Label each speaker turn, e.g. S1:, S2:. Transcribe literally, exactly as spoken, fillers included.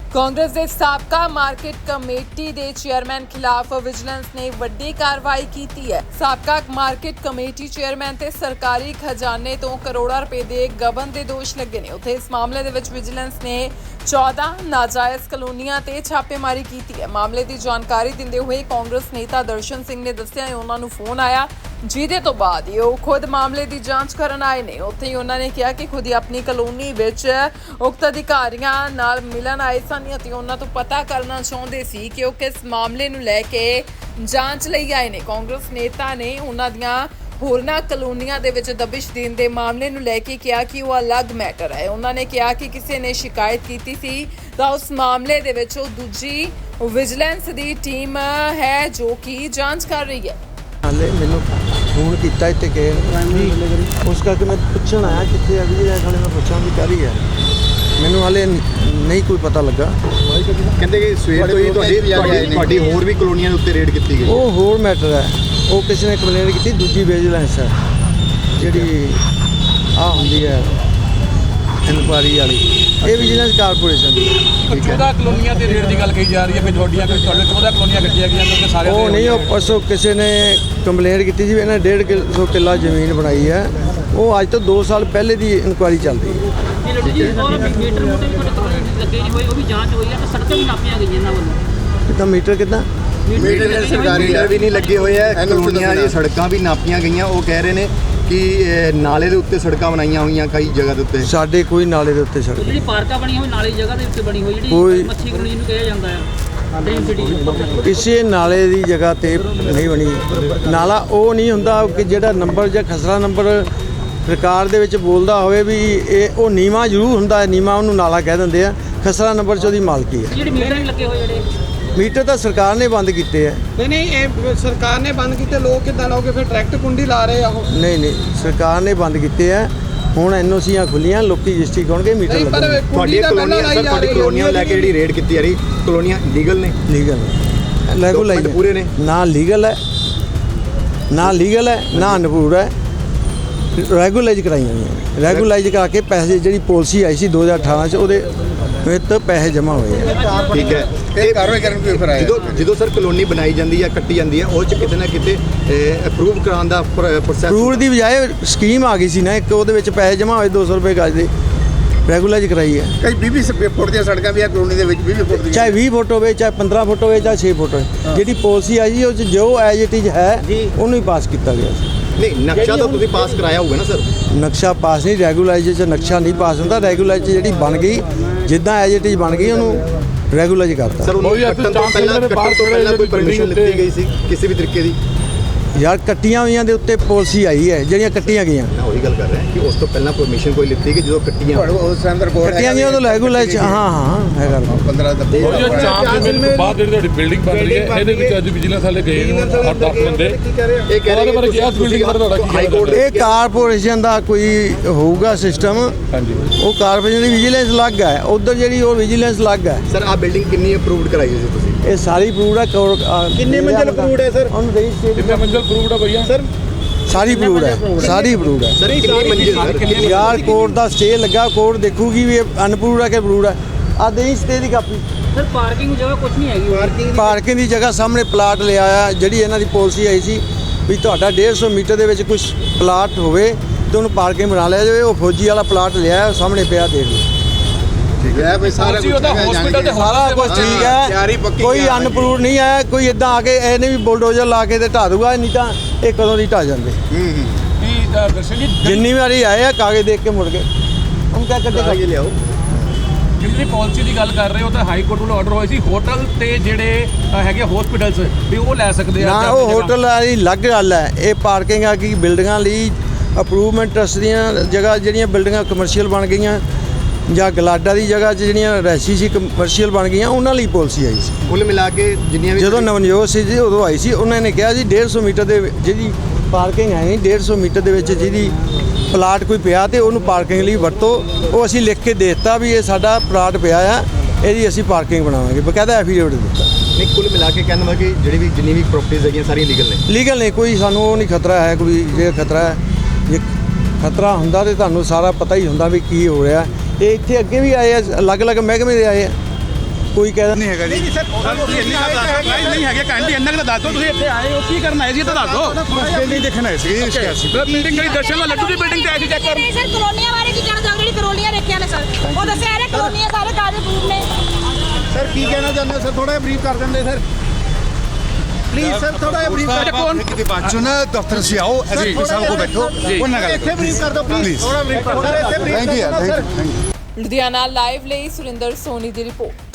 S1: ਕਾਂਗਰਸ ਦੇ ਸਾਬਕਾ market committee ਦੇ ਚੇਅਰਮੈਨ ਖਿਲਾਫ ਵਿਜੀਲੈਂਸ ਨੇ ਵੱਡੀ ਕਾਰਵਾਈ ਕੀਤੀ ਹੈ। ਸਾਬਕਾ ਮਾਰਕੀਟ ਕਮੇਟੀ ਚੇਅਰਮੈਨ ਤੇ ਸਰਕਾਰੀ ਖਜ਼ਾਨੇ ਤੋਂ ਕਰੋੜਾਂ ਰੁਪਏ ਦੇ ਗਬਨ ਦੇ ਦੋਸ਼ ਲੱਗੇ ਨੇ। ਉੱਥੇ ਇਸ ਮਾਮਲੇ ਦੇ ਵਿੱਚ ਵਿਜੀਲੈਂਸ ਨੇ ਚੌਦਾਂ ਨਾਜਾਇਜ਼ ਕਲੋਨੀਆਂ ਤੇ ਛਾਪੇਮਾਰੀ ਕੀਤੀ ਹੈ। ਮਾਮਲੇ ਦੀ ਜਾਣਕਾਰੀ ਦਿੰਦੇ ਹੋਏ ਕਾਂਗਰਸ ਨੇਤਾ ਦਰਸ਼ਨ ਸਿੰਘ ਨੇ ਦੱਸਿਆ ਕਿ ਉਹਨਾਂ ਨੂੰ ਫੋਨ ਆਇਆ, ਜਿਹਦੇ ਤੋਂ ਬਾਅਦ ਉਹ ਖੁਦ ਮਾਮਲੇ ਦੀ ਜਾਂਚ ਕਰਨ ਆਏ ਨੇ। ਉੱਥੇ ਹੀ ਉਹਨਾਂ ਨੇ ਕਿਹਾ ਕਿ ਖੁਦ ਹੀ ਆਪਣੀ ਕਲੋਨੀ ਵਿੱਚ ਉਕਤ ਅਧਿਕਾਰੀਆਂ ਨਾਲ ਮਿਲਣ ਆਏ ਸਨ ਅਤੇ ਉਹਨਾਂ ਤੋਂ ਪਤਾ ਕਰਨਾ ਚਾਹੁੰਦੇ ਸੀ ਕਿ ਉਹ ਕਿਸ ਮਾਮਲੇ ਨੂੰ ਲੈ ਕੇ ਜਾਂਚ ਲਈ ਆਏ ਨੇ। ਕਾਂਗਰਸ ਨੇਤਾ ਨੇ ਉਹਨਾਂ ਦੀਆਂ ਹੋਰਨਾਂ ਕਲੋਨੀਆਂ ਦੇ ਵਿੱਚ ਦਬਿਸ਼ ਦੇਣ ਦੇ ਮਾਮਲੇ ਨੂੰ ਲੈ ਕੇ ਕਿਹਾ ਕਿ ਉਹ ਅਲੱਗ ਮੈਟਰ ਹੈ। ਉਹਨਾਂ ਨੇ ਕਿਹਾ ਕਿ ਕਿਸੇ ਨੇ ਸ਼ਿਕਾਇਤ ਕੀਤੀ ਸੀ ਤਾਂ ਉਸ ਮਾਮਲੇ ਦੇ ਵਿੱਚ ਉਹ ਦੂਜੀ ਵਿਜੀਲੈਂਸ ਦੀ ਟੀਮ ਹੈ ਜੋ ਕਿ ਜਾਂਚ ਕਰ ਰਹੀ ਹੈ।
S2: ਹਾਲੇ ਮੈਨੂੰ ਫੋਨ ਕੀਤਾ ਇੱਥੇ ਕਿ ਉਸ ਕਰਕੇ ਮੈਂ ਪੁੱਛਣ ਆਇਆ ਕਿੱਥੇ ਆ ਵੀ ਹਾਲੇ ਮੈਂ ਪੁੱਛਾਂ ਵੀ ਕਰੀ ਹੈ। ਮੈਨੂੰ ਹਾਲੇ ਨਹੀਂ ਕੋਈ ਪਤਾ ਲੱਗਾ।
S3: ਕਹਿੰਦੇ ਕਿ ਸਵੇਰ ਤੋਂ ਹੀ ਤੁਹਾਡੀ ਤੁਹਾਡੀ ਹੋਰ ਵੀ ਕਲੋਨੀਆਂ ਦੇ ਉੱਤੇ ਰੇਡ ਕੀਤੀ ਗਈ।
S2: ਉਹ ਹੋਰ ਮੈਟਰ ਹੈ, ਉਹ ਕਿਸੇ ਨੇ ਕੰਪਲੇਂਟ ਕੀਤੀ, ਦੂਜੀ ਵਿਜੀਲੈਂਸ ਹੈ ਜਿਹੜੀ ਆ ਹੁੰਦੀ ਹੈ ਇਨਕੁਆਰੀ ਵਾਲੀ, ਇਹ ਵਿਜੀਲੈਂਸ ਕਾਰਪੋਰੇਸ਼ਨ ਦੀ।
S4: ਚੌਦਾਂ ਕਲੋਨੀਆਂ ਤੇ ਰੇਡ ਦੀ ਗੱਲ ਕਹੀ ਜਾ ਰਹੀ ਹੈ ਕਿ ਤੁਹਾਡੀਆਂ ਕੋਈ ਤੁਹਾਡੇ ਚੌਦਾਂ ਕਲੋਨੀਆਂ ਕੱਟੀਆਂ ਗਈਆਂ ਨੇ ਸਾਰੇ।
S2: ਉਹ ਨਹੀਂ, ਉਹ ਪਰਸੋਂ ਕਿਸੇ ਨੇ ਕੰਪਲੇਂਟ ਕੀਤੀ ਸੀ ਵੀ ਇਹਨਾਂ ਡੇਢ ਕਿੱਲੋ ਕਿੱਲਾ ਜ਼ਮੀਨ ਬਣਾਈ ਹੈ। ਉਹ ਅੱਜ ਤੋਂ ਦੋ ਸਾਲ ਪਹਿਲੇ ਦੀ ਇਨਕੁਆਰੀ ਚੱਲਦੀ ਹੈ।
S5: ਮੀਟਰ ਮੋਟੇ ਵੀ ਤੁਹਾਡੇ ਲੱਗੇ ਨਹੀਂ ਹੋਏ, ਉਹ ਵੀ ਜਾਂਚ ਹੋਈ ਹੈ ਤੇ ਸੜਕਾਂ ਵੀ ਨਾਪੀਆਂ ਗਈਆਂ ਇਹਨਾਂ ਵੱਲੋਂ।
S2: ਕਿੱਦਾਂ ਮੀਟਰ ਕਿੱਦਾਂ
S3: ਮੀਟਰ ਸਰਕਾਰੀ ਮੀਟਰ ਵੀ ਨਹੀਂ ਲੱਗੇ ਹੋਏ ਹੈ, ਕਲੋਨੀਆਂ ਦੀ ਸੜਕਾਂ ਵੀ ਨਾਪੀਆਂ ਗਈਆਂ। ਉਹ ਕਹਿ ਰਹੇ ਨੇ ਕਿ ਨਾਲੇ ਦੇ ਉੱਤੇ ਸੜਕਾਂ ਬਣਾਈਆਂ ਹੋਈਆਂ ਕਈ ਜਗ੍ਹਾ ਦੇ ਉੱਤੇ।
S2: ਸਾਡੇ ਕੋਈ ਨਾਲੇ ਦੇ ਉੱਤੇ ਸੜਕ
S5: ਜਿਹੜੀ ਪਾਰਕਾਂ ਬਣੀਆਂ ਹੋਈ ਨਾਲੇ ਦੀ ਜਗ੍ਹਾ ਦੇ ਉੱਤੇ ਬਣੀ ਹੋਈ,
S2: ਕੋਈ-
S5: ਜਿਹੜੀ ਮੱਛੀ ਕਲੋਨੀ ਨੂੰ ਕਿਹਾ ਜਾਂਦਾ ਹੈ ਡ੍ਰੀਮ ਸਿਟੀ,
S2: ਕਿਸੇ ਨਾਲੇ ਦੀ ਜਗ੍ਹਾ ਤੇ ਨਹੀਂ ਬਣੀ। ਨਾਲਾ ਉਹ ਨਹੀਂ ਹੁੰਦਾ ਕਿ ਜਿਹੜਾ ਨੰਬਰ ਜਾਂ ਖਸਰਾ ਨੰਬਰ ਸਰਕਾਰ ਦੇ ਵਿੱਚ ਬੋਲਦਾ ਹੋਵੇ ਵੀ ਇਹ ਉਹ ਨੀਵਾਂ ਜ਼ਰੂਰ ਹੁੰਦਾ ਹੈ, ਨੀਵਾਂ ਉਹਨੂੰ ਨਾਲਾ ਕਹਿ ਦਿੰਦੇ ਆ। ਖਸਰਾ ਨੰਬਰ 'ਚ ਉਹਦੀ ਮਾਲਕੀ ਹੈ।
S5: ਜਿਹੜੇ ਮੀਟਰ ਨਹੀਂ ਲੱਗੇ ਹੋਏ ਜਿਹੜੇ
S2: ਮੀਟਰ ਤਾਂ ਸਰਕਾਰ ਨੇ ਬੰਦ ਕੀਤੇ ਆ।
S6: ਨਹੀਂ ਨਹੀਂ ਇਹ ਸਰਕਾਰ ਨੇ ਬੰਦ ਕੀਤੇ, ਲੋਕ ਕਿੱਦਾਂ ਲਾਓਗੇ ਫਿਰ? ਡਾਇਰੈਕਟ ਕੁੰਡੀ ਲਾ ਰਹੇ ਆ ਉਹ।
S2: ਨਹੀਂ ਨਹੀਂ ਸਰਕਾਰ ਨੇ ਬੰਦ ਕੀਤੇ ਆ। ਹੁਣ ਐਨਓਸੀਆਂ ਖੁੱਲੀਆਂ, ਲੋਕੀ ਰਜਿਸਟਰੀ ਕਰਨਗੇ, ਮੀਟਰ
S6: ਨਹੀਂ ਪਰ
S2: ਲੱਗਣਗੇ।
S3: ਤੁਹਾਡੀਆਂ ਕਲੋਨੀਆਂ ਸਰ ਤੁਹਾਡੀ ਕਲੋਨੀਆਂ ਨੂੰ ਲੈ ਕੇ ਜਿਹੜੀ ਰੇਡ ਕੀਤੀ ਜਾ ਰਹੀ, ਕਲੋਨੀਆਂ ਲੀਗਲ ਨੇ?
S2: ਲੀਗਲ ਰੈਗੂਲਾਈਜ਼
S3: ਪੂਰੇ ਨੇ?
S2: ਨਾ ਲੀਗਲ ਹੈ, ਨਾ ਲੀਗਲ ਹੈ, ਨਾ ਅਨਪੂਰ ਹੈ। ਰੈਗੂਲਾਈਜ਼ ਕਰਾਈਆਂ ਗਈਆਂ। ਰੈਗੂਲਾਈਜ਼ ਕਰਾ ਕੇ ਪੈਸੇ, ਜਿਹੜੀ ਪਾਲਿਸੀ ਆਈ ਸੀ ਦੋ ਹਜ਼ਾਰ ਅਠਾਰਾਂ 'ਚ, ਉਹਦੇ ਵਿੱਚ ਪੈਸੇ ਜਮ੍ਹਾਂ ਹੋਏ ਆ।
S3: ਠੀਕ ਹੈ, ਇਹ ਕਾਰਵਾਈ ਕਰਨ ਕੋਈ ਫਿਰ ਆਇਆ ਜਦੋਂ ਜਦੋਂ ਸਰ ਕਲੋਨੀ ਬਣਾਈ ਜਾਂਦੀ ਹੈ, ਕੱਟੀ ਜਾਂਦੀ ਹੈ, ਉਹ 'ਚ ਕਿਤੇ ਨਾ ਕਿਤੇ ਅਪਰੂਵ ਕਰਾਉਣ ਦਾ ਪ੍ਰੋਸੈਸ
S2: ਅਪਰੂਵ ਦੀ ਬਜਾਏ ਸਕੀਮ ਆ ਗਈ ਸੀ ਨਾ ਇੱਕ, ਉਹਦੇ ਵਿੱਚ ਪੈਸੇ ਜਮ੍ਹਾਂ ਹੋਏ ਦੋ ਸੌ ਰੁਪਏ ਗਜ ਦੇ। ਰੈਗੂਲਾਈਜ਼ ਕਰਾਈ ਹੈ।
S3: ਕਈ ਵੀਹ ਵੀਹ ਫੁੱਟ ਦੀਆਂ ਸੜਕਾਂ ਵੀ ਆ ਕਲੋਨੀ ਦੇ ਵਿੱਚ, ਵੀਹ ਵੀਹ ਫੁੱਟ ਦੀਆਂ,
S2: ਚਾਹੇ ਵੀਹ ਫੁੱਟ ਹੋਵੇ, ਚਾਹੇ ਪੰਦਰਾਂ ਫੁੱਟ ਹੋਵੇ, ਚਾਹੇ ਛੇ ਫੁੱਟ ਹੋਵੇ। ਜਿਹੜੀ ਪਾਲਿਸੀ ਆਈ ਜੀ ਉਹ 'ਚ ਜੋ ਐਜ ਇਟ ਇਜ਼ ਹੈ ਉਹਨੂੰ ਹੀ ਪਾਸ ਕੀਤਾ ਗਿਆ ਸੀ।
S3: ਨਹੀਂ ਨਕਸ਼ਾ ਤਾਂ ਤੁਸੀਂ ਪਾਸ ਕਰਾਇਆ ਹੋਊਗਾ ਨਾ ਸਰ?
S2: ਨਕਸ਼ਾ ਪਾਸ ਨਹੀਂ, ਰੈਗੂਲਾਈਜ਼ 'ਚ ਨਕਸ਼ਾ ਨਹੀਂ ਪਾਸ ਹੁੰਦਾ। ਰੈਗੂਲਾਈਜ਼ 'ਚ ਜਿਹੜੀ ਬਣ ਗਈ, ਜਿੱਦਾਂ ਐਜ ਇਟ ਇਜ਼ ਬਣ ਗਈ, ਉਹਨੂੰ ਰੈਗੂਲਾਈਜ਼ ਕਰਤਾ।
S3: ਸਰ ਉਹਨੂੰ ਕੱਟਣ ਤੋਂ ਪਹਿਲਾਂ ਕੱਟਣ ਤੋਂ ਪਹਿਲਾਂ ਕੋਈ ਪਰਮਿਸ਼ਨ ਲਿੱਤੀ ਗਈ ਸੀ ਕਿਸੇ ਵੀ ਤਰੀਕੇ ਦੀ?
S2: ਯਾਰ ਕੱਟੀਆਂ ਹੋਈਆਂ ਦੇ ਉੱਤੇ ਪਾਲਿਸੀ ਆਈ ਹੈ, ਜਿਹੜੀਆਂ ਕੱਟੀਆਂ ਗਈਆਂ।
S3: ਮੈਂ ਉਹੀ ਗੱਲ ਕਰ ਰਿਹਾ ਕਿ ਉਸ ਤੋਂ ਪਹਿਲਾਂ ਪਰਮਿਸ਼ਨ ਕੋਈ ਲਿੱਤੀ ਕਿ ਜਦੋਂ ਕੱਟੀਆਂ ਉਸ ਟਾਈਮ ਦਾ ਰਿਕਾਰਡ
S2: ਕੱਟੀਆਂ ਗਈਆਂ ਉਦੋਂ ਰੈਗੂਲਾਈਜ਼। ਹਾਂ ਹਾਂ ਹੈਗਾ
S3: ਪੰਦਰਾਂ ਦਾ
S4: ਚਾਰ ਦਿਨ ਤੋਂ ਬਾਅਦ ਜਿਹੜੀ ਤੁਹਾਡੀ ਬਿਲਡਿੰਗ ਬਣ ਰਹੀ ਹੈ, ਇਹਦੇ ਵਿੱਚ ਅੱਜ ਵਿਜੀਲੈਂਸ ਵਾਲੇ ਗਏ ਨੇ ਅੱਠ ਦਸ ਬੰਦੇ।
S3: ਇਹ ਕਹਿ ਰਹੇ
S4: ਬਾਰੇ ਕਿਹਾ ਬਿਲਡਿੰਗ ਬਾਰੇ ਤੁਹਾਡਾ ਕੀ
S3: ਹਾਈ ਕੋਰਟ
S2: ਇਹ ਕਾਰਪੋਰੇਸ਼ਨ ਦਾ ਕੋਈ ਹੋਊਗਾ ਸਿਸਟਮ।
S4: ਹਾਂਜੀ,
S2: ਉਹ ਕਾਰਪੋਰੇਸ਼ਨ ਦੀ ਵਿਜੀਲੈਂਸ ਅਲੱਗ ਹੈ, ਉਧਰ ਜਿਹੜੀ ਉਹ ਵਿਜੀਲੈਂਸ ਅਲੱਗ ਹੈ।
S3: ਸਰ ਆ ਬਿਲਡਿੰਗ ਕਿੰਨੀ ਅਪਰੂਵਡ ਕਰਾਈ ਹੈ ਤੁਸੀਂ?
S2: ਇਹ ਸਾਰੀ ਅਪਰੂਵਡ ਹੈ।
S3: ਕਿੰਨੇ ਮੰਜ਼ਿਲ approved ਹੈ ਸਰ?
S2: ਉਹਨੂੰ ਦੇਈ ਸਟੇਟ
S4: ਕਿੰਨੇ ਮੰਜ਼ਿਲ ਅਪਰੂਵਡ ਆ ਭਈਆ?
S3: ਸਰ
S2: ਸਾਰੀ ਅਪਰੂਵਡ ਹੈ, ਸਾਰੀ ਅਪਰੂਵਡ ਹੈ।
S3: ਸਰ ਕਿੰਨੀ ਮੰਜ਼ਿਲ ਸਰ?
S2: ਯਾਰ ਕੋਰਟ ਦਾ ਸਟੇ ਲੱਗਾ, ਕੋਰਟ ਦੇਖੂਗੀ ਵੀ ਇਹ ਅਨਪਰੂਵਡ ਹੈ ਕਿ ਅਪਰੂਵਡ ਹੈ। ਆ ਦੇਈ ਸਟੇ ਦੀ ਕਾਪੀ।
S5: ਸਰ ਪਾਰਕਿੰਗ ਜਗ੍ਹਾ ਕੁਝ ਨਹੀਂ ਹੈਗੀ। ਪਾਰਕਿੰਗ
S2: ਪਾਰਕਿੰਗ ਦੀ ਜਗ੍ਹਾ ਸਾਹਮਣੇ ਪਲਾਟ ਲਿਆ ਆ। ਜਿਹੜੀ ਇਹਨਾਂ ਦੀ ਪਾਲਿਸੀ ਆਈ ਸੀ ਵੀ ਤੁਹਾਡਾ ਡੇਢ ਸੌ ਮੀਟਰ ਦੇ ਵਿੱਚ ਕੁਝ ਪਲਾਟ ਹੋਵੇ ਤੇ ਉਹਨੂੰ ਪਾਰਕਿੰਗ ਬਣਾ ਲਿਆ ਜਾਵੇ। ਉਹ ਫੌਜੀ ਵਾਲਾ ਪਲਾਟ ਲਿਆ, ਸਾਹਮਣੇ ਪਿਆ, ਦੇਖ ਲਓ।
S3: ਠੀਕ ਹੈ ਬਈ ਸਾਰਾ ਕੁਝ
S4: ਹਸਪੀਟਲ ਤੇ
S2: ਸਾਰਾ ਕੁਝ ਠੀਕ ਹੈ, ਕੋਈ ਅਨਪਰੂਵਡ ਨਹੀਂ ਹੈ। ਕੋਈ ਇਦਾਂ ਆ ਕੇ ਇਹਨੇ ਵੀ ਬੁਲਡੋਜ਼ਰ ਲਾ ਕੇ ਤੇ ਢਾ ਦੂਗਾ, ਨਹੀਂ ਤਾਂ ਇਹ ਕਦੋਂ ਦੀ ਢਾ ਜਾਂਦੇ।
S4: ਕੀ ਦਰਸ਼ਨ ਜੀ
S2: ਜਿੰਨੀ ਵਾਰੀ ਆਏ ਆ ਕਾਗਜ਼ ਦੇਖ ਕੇ ਮੁੜ ਗਏ। ਹੁਣ ਕਿਆ ਕੱਢੇ
S3: ਆਗੇ ਲਿਆਓ।
S4: ਜਿਹੜੀ ਪਾਲਿਸੀ ਦੀ ਗੱਲ ਕਰ ਰਹੇ ਹੋ ਤਾਂ ਹਾਈ ਕੋਰਟ ਵੱਲੋਂ ਆਰਡਰ ਹੋਇਆ ਸੀ ਹੋਟਲ ਤੇ ਜਿਹੜੇ ਹੈਗੇ ਹਸਪੀਟਲਸ ਵੀ ਉਹ ਲੈ ਸਕਦੇ ਆ।
S2: ਨਾ ਉਹ ਹੋਟਲ ਵਾਲੀ ਅਲੱਗ ਗੱਲ ਹੈ। ਇਹ ਪਾਰਕਿੰਗ ਆ ਕਿ ਬਿਲਡਿੰਗਾਂ ਲਈ ਅਪਰੂਵਮੈਂਟ ਟਰਸਟ ਦੀਆਂ ਜਗ੍ਹਾ, ਜਿਹੜੀਆਂ ਬਿਲਡਿੰਗਾਂ ਕਮਰਸ਼ੀਅਲ ਬਣ ਗਈਆਂ ਜਾਂ ਗਲਾਡਾ ਦੀ ਜਗ੍ਹਾ 'ਚ ਜਿਹੜੀਆਂ ਰੈਸੀ ਸੀ ਕਮਰਸ਼ੀਅਲ ਬਣ ਗਈਆਂ, ਉਹਨਾਂ ਲਈ ਪਾਲਿਸੀ ਆਈ ਸੀ।
S3: ਕੁੱਲ ਮਿਲਾ ਕੇ ਜਿੰਨੀਆਂ ਵੀ
S2: ਜਦੋਂ ਨਵਨਜੋਤ ਸੀ ਜੀ ਉਦੋਂ ਆਈ ਸੀ। ਉਹਨਾਂ ਨੇ ਕਿਹਾ ਜੀ ਡੇਢ ਸੌ ਮੀਟਰ ਦੇ ਜਿਹਦੀ ਪਾਰਕਿੰਗ ਹੈ, ਡੇਢ ਸੌ ਮੀਟਰ ਦੇ ਵਿੱਚ ਜਿਹਦੀ ਪਲਾਟ ਕੋਈ ਪਿਆ ਤੇ ਉਹਨੂੰ ਪਾਰਕਿੰਗ ਲਈ ਵਰਤੋ। ਉਹ ਅਸੀਂ ਲਿਖ ਕੇ ਦੇ ਦਿੱਤਾ ਵੀ ਇਹ ਸਾਡਾ ਪਲਾਟ ਪਿਆ ਆ, ਇਹਦੀ ਅਸੀਂ ਪਾਰਕਿੰਗ ਬਣਾਵਾਂਗੇ, ਬਕਾਇਦਾ ਐਫੀਡੇਵਿਟ ਦਿੱਤਾ।
S3: ਨਹੀਂ ਕੁੱਲ ਮਿਲਾ ਕੇ ਕਹਿੰਦਾ ਕਿ ਜਿਹੜੀ ਵੀ ਜਿੰਨੀ ਵੀ ਪ੍ਰਾਪਰਟੀਆਂ ਹੈਗੀਆਂ ਸਾਰੀਆਂ ਲੀਗਲ ਨੇ?
S2: ਲੀਗਲ ਨੇ, ਕੋਈ ਸਾਨੂੰ ਉਹ ਨਹੀਂ ਖਤਰਾ ਹੈ। ਕੋਈ ਜੇ ਖਤਰਾ ਹੈ, ਜੇ ਖਤਰਾ ਹੁੰਦਾ ਤੇ ਤੁਹਾਨੂੰ ਸਾਰਾ ਪਤਾ ਹੀ ਹੁੰਦਾ ਵੀ ਕੀ ਹੋ ਰਿਹਾ। ਇਹ ਇੱਥੇ ਅੱਗੇ ਵੀ ਆਏ ਆ, ਅਲੱਗ-ਅਲੱਗ ਮਹਿਕਮੇ ਦੇ ਆਏ ਆ। ਕੋਈ ਕਹਿੰਦਾ
S7: ਨਹੀਂ ਹੈਗਾ ਜੀ
S4: ਤੁਸੀਂ ਇੰਨੀ ਗੱਲ ਦੱਸ ਦਿਓ ਨਹੀਂ ਹੈਗੇ ਕਹਿੰਦੇ ਇੰਨਾ ਕਿ ਦੱਸ ਦਿਓ ਤੁਸੀਂ ਇੱਥੇ ਆਏ ਹੋ ਕੀ ਕਰਨ ਆਏ ਸੀ ਇਹ ਤਾਂ ਦੱਸ ਦਿਓ
S7: ਬਿਲਡਿੰਗ ਦੇਖਣ ਆਏ ਸੀ ਜੀ ਸਿਆਸੀ
S4: ਬਿਲਡਿੰਗ ਕਿਹੜੀ ਦਰਸ਼ਨ ਵਾਲਾ ਲੱਡੂ ਦੀ ਬਿਲਡਿੰਗ ਤੇ ਆਏ ਸੀ ਚੈੱਕ ਕਰ
S8: ਨਹੀਂ ਸਰ ਕਲੋਨੀਆਂ ਬਾਰੇ ਕੀ ਕਹਿਣਾ ਚਾਹੁੰਦੇ ਜਿਹੜੀ ਕਲੋਨੀਆਂ ਦੇਖੀਆਂ ਨੇ ਸਰ ਉਹ ਦੱਸਿਆ ਇਹ ਕਲੋਨੀਆਂ ਸਾਰੇ ਕਾਗਜ਼ ਪ੍ਰੂਫ ਨੇ
S7: ਸਰ ਕੀ ਕਹਿਣਾ ਚਾਹੁੰਦੇ ਹੋ ਸਰ ਥੋੜਾ ਜਿਹਾ ਬਰੀਫ ਕਰ ਦਿੰਦੇ ਸਰ ਪਲੀਜ਼ ਸਰ ਥੋੜਾ ਜਿਹਾ ਬਰੀਫ ਕਰ
S4: ਕੌਣ
S7: ਕਿਤੇ ਬਾਅਦ ਚੋਂ ਨਾ ਦਫ਼ਤਰ ਸੇ ਆਓ ਐਸਪੀ ਸਾਹਿਬ ਕੋ ਬੈਠੋ ਉਹਨਾਂ ਨਾਲ
S3: ਇੱਥੇ ਬਰੀਫ ਕਰ ਦਿਓ ਪਲੀਜ਼
S7: ਥੋੜਾ ਬਰੀਫ ਕਰ ਦਿਓ ਇੱਥੇ brief
S3: thank you thank you
S1: Ludhiana live ਲਈ ਸੁਰਿੰਦਰ ਸੋਨੀ ਦੀ ਰਿਪੋਰਟ।